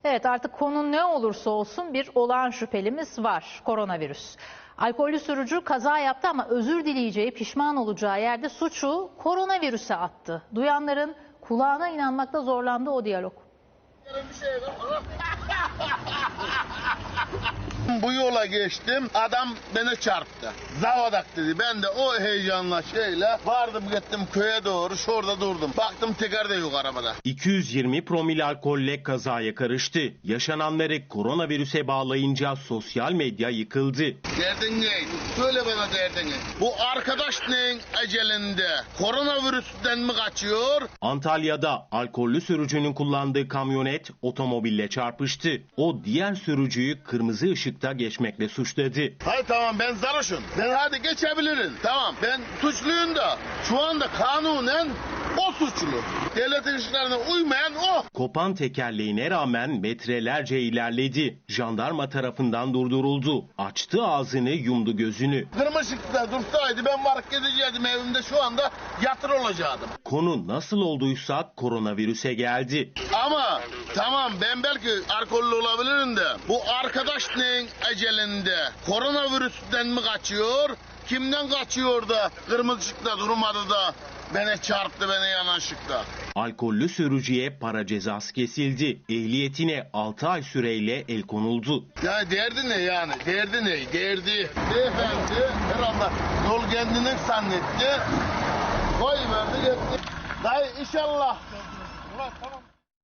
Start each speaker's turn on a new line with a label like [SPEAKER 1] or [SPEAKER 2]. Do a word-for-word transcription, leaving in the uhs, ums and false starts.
[SPEAKER 1] Evet, artık konu ne olursa olsun bir olağan şüphelimiz var: koronavirüs. Alkollü sürücü kaza yaptı ama özür dileyeceği, pişman olacağı yerde suçu koronavirüse attı. Duyanların kulağına inanmakta zorlandı o diyalog.
[SPEAKER 2] Bu yola geçtim, adam beni çarptı. Zavadak dedi. Ben de o heyecanla şeyle vardım, gittim köye doğru, şurada durdum. Baktım teker de yok arabada.
[SPEAKER 3] iki yüz yirmi promil alkolle kazaya karıştı. Yaşananları koronavirüse bağlayınca sosyal medya yıkıldı.
[SPEAKER 2] Derdin ne? Söyle bana derdini. Bu arkadaş neyin ecelinde? Koronavirüsten mi kaçıyor?
[SPEAKER 3] Antalya'da alkollü sürücünün kullandığı kamyonet otomobille çarpıştı. O diğer sürücüyü kırmızı ışıkta geçmekle suçladı.
[SPEAKER 2] Hayır tamam, ben sarhoşum. Ben hadi geçebilirim. Tamam, ben suçluyum da şu anda kanunen o suçlu. Devletin işlerine uymayan o.
[SPEAKER 3] Kopan tekerleğine rağmen metrelerce ilerledi. Jandarma tarafından durduruldu. Açtı ağzını, yumdu gözünü.
[SPEAKER 2] Kırmızı ışıkta dursaydı ben varıp gidecektim evimde, şu anda yatır olacaktım.
[SPEAKER 3] Konu nasıl olduysa koronavirüse geldi.
[SPEAKER 2] Ama tamam, ben belki alkollü olabilirim de bu arkadaş neyin ecelinde? Koronavirüsten mi kaçıyor? Kimden kaçıyor da kırmızı ışıkta durmadı da beni çarptı, beni yanan ışıkta?
[SPEAKER 3] Alkollü sürücüye para cezası kesildi. Ehliyetine altı ay süreyle el konuldu.
[SPEAKER 2] Ya derdi ne yani? Derdi ne? Derdi. Beyefendi herhalde yol kendini zannetti. Koy verdi gitti. Dayı inşallah. Ulan tamam.